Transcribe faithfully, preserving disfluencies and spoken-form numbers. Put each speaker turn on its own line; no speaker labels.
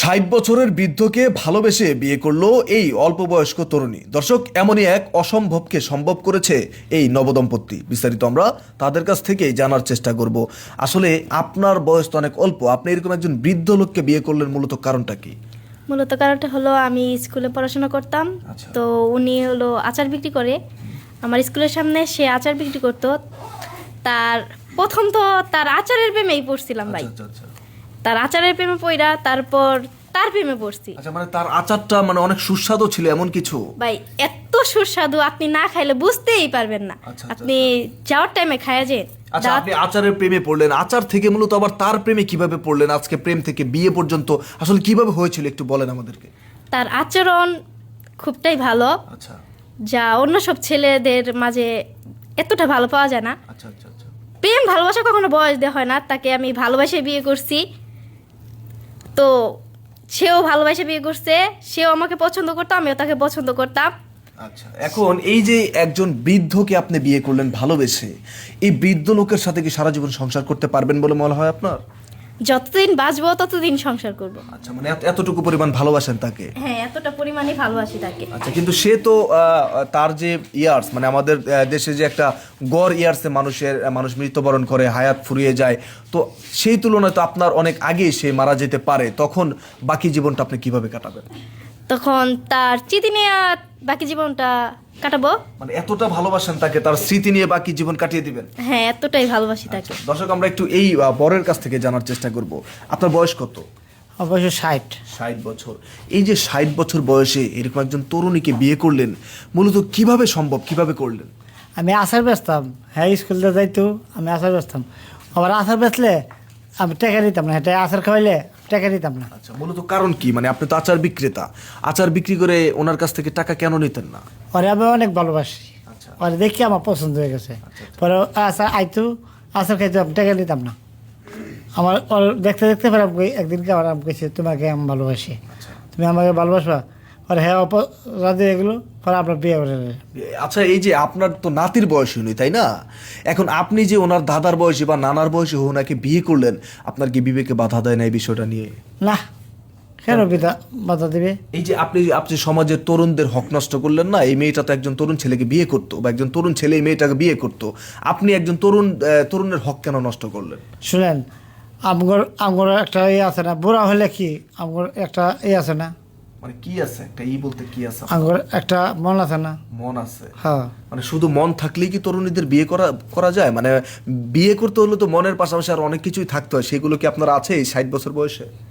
ষাট বছরের বৃদ্ধকে ভালোবেসে বিয়ে করলো এই অল্প বয়স্ক তরুণী। দর্শক, এমনই এক অসম্ভবকে সম্ভব করেছে এই নবদম্পতি। বিস্তারিত আমরা তাদের কাছ থেকেই জানার চেষ্টা করব। আসলে আপনার বয়স তো অনেক অল্প, আপনি এরকম একজন বৃদ্ধ লোককে বিয়ে করলেন, মূলত কারণটা কি?
মূলত কারণটা হলো আমি স্কুলে পড়াশোনা করতাম।
আচ্ছা।
তো উনি হলো আচার বিক্রি করে, আমার স্কুলের সামনে সে আচার বিক্রি করতো। তার প্রথম তো তার আচারের প্রেমেই পড়ছিলাম ভাই।
আচ্ছা আচ্ছা।
তার আচারের প্রেমে পড়া, তারপর তার প্রেমে পড়ছি
আচ্ছা, মানে তার আচারটা মানে অনেক সুস্বাদু ছিল এমন কিছু?
ভাই, এত সুস্বাদু আপনি না খাইলে বুঝতেই পারবেন না।
আচ্ছা, আচ্ছা,
আপনি যাওয়ার টাইমে খায়া যে
আচ্ছা, আপনি আচারের প্রেমে পড়লেন, আচার থেকে মূলত আবার তার প্রেমে কিভাবে পড়লেন? আজকে প্রেম থেকে বিয়ে পর্যন্ত আসলে কিভাবে হয়েছিল একটু বলেন আমাদেরকে।
তার আচরণ খুবটাই ভালো,
আচ্ছা
যা অন্য সব ছেলেদের মাঝে এতটা ভালো পাওয়া যায় না।
আচ্ছা আচ্ছা আচ্ছা।
প্রেম ভালোবাসা কখনো বয়স দেওয়া হয় না। তাকে আমি ভালোবাসে বিয়ে করছি, তো সেও ভালোবাসে বিয়ে করছে। সেও আমাকে পছন্দ করতো, আমিও তাকে পছন্দ করতাম।
আচ্ছা, এখন এই যে একজন বৃদ্ধকে আপনি বিয়ে করলেন ভালোবেসে, এই বৃদ্ধ লোকের সাথে কি সারা জীবন সংসার করতে পারবেন বলে মনে হয় আপনার?
যতদিন বাঁচবো ততদিন সংসার করব।
আচ্ছা, মানে এত- এতটুকু পরিমাণ ভালোবাসেন তাকে?
হ্যাঁ, এতটা পরিমাণে ভালোবাসি তাকে।
আচ্ছা, কিন্তু সে তো আহ, তার যে ইয়ার্স, মানে আমাদের আহ, দেশে যে একটা গড় ইয়ার্সে মানুষের মানুষ মৃত্যুবরণ করে, হায়াত ফুরিয়ে যায়, তো সেই তুলনায় তো আপনার অনেক আগেই সে মারা যেতে পারে। তখন বাকি জীবনটা আপনি কিভাবে কাটাবেন?
তখন তার স্মৃতি নিয়ে বাকি জীবনটা কাটাবো।
মানে এতটা ভালোবাসেন তাকে, তার স্মৃতি নিয়ে বাকি জীবন কাটিয়ে দিবেন?
হ্যাঁ, এতটাই ভালোবাসি তাকে।
দর্শক, আমরা একটু এই আহ, বরের কাছ থেকে জানার চেষ্টা করব। আপনার বয়স কত?
অবশ্য ষাট।
ষাট বছর। এই যে ষাট বছর বয়সে এরকম একজন তরুণীকে বিয়ে করলেন, মূলত কিভাবে সম্ভব, কিভাবে করলেন?
আমি আচার বেচতাম, হ্যাঁ স্কুলে যাইতো, আমি আচার বেচতাম। আবার আচার বেচলে আমি টাকা দিতাম না, এটা আচার খাওয়াইলে টাকা দিতাম না।
আচ্ছা, মূলত কারণ কি? মানে আপনি তো আচার বিক্রেতা, আচার বিক্রি করে ওনার কাছ থেকে টাকা কেন নিতেন না?
পরে আমি অনেক ভালোবাসি,
আচ্ছা
পরে দেখি আমার পছন্দ হয়ে গেছে। পরে আচার আইতো, আচার খাইতো, আমি টাকা দিতাম না। আমার ওর দেখতে দেখতে পরে আমি কই- একদিনকে আমার আমি কেছি তোমাকে আমি ভালোবাসি, তুমি আমাকে ভালোবাসবা। পরে হ্যাঁ অপ রাজি হয়ে গেলো, পরে আপনার বিয়ে করে নিলেন।
আচ্ছা, এই যে আপনার তো নাতির বয়স হয়নি, তাই না? এখন আপনি যে ওনার দাদার বয়সী বা নানার বয়সী ওনাকে বিয়ে করলেন, আপনার কি বিবেকে বাধা দেয় না এই বিষয়টা নিয়ে?
না, কেন বিধা বাধা দিবে?
এই যে আপনি আপনি সমাজের তরুণদের হক নষ্ট করলেন না। এই মেয়েটা তো একজন তরুণ ছেলেকে বিয়ে করতো, বা একজন তরুণ ছেলে এই মেয়েটাকে বিয়ে করতো, আপনি একজন তরুণ আহ, তরুণের হক কেন নষ্ট করলেন?
শুনেন, আমগর আমগর একটা ইয়ে আছে না, বুড়া হলে কি আমগর একটা ইয়ে আছে না,
মানে কি আছে একটা ই বলতে কি আছে?
আমগর একটা মন আছে না।
মন আছে?
হ্যাঁ,
মানে শুধু মন থাকলেই কি তরুণীদের বিয়ে করা করা যায়? মানে বিয়ে করতে হলে তো মনের পাশাপাশি আর অনেক কিছুই থাকতে হয়। সেগুলো কি আপনার আছে এই ষাট বছর বয়সে?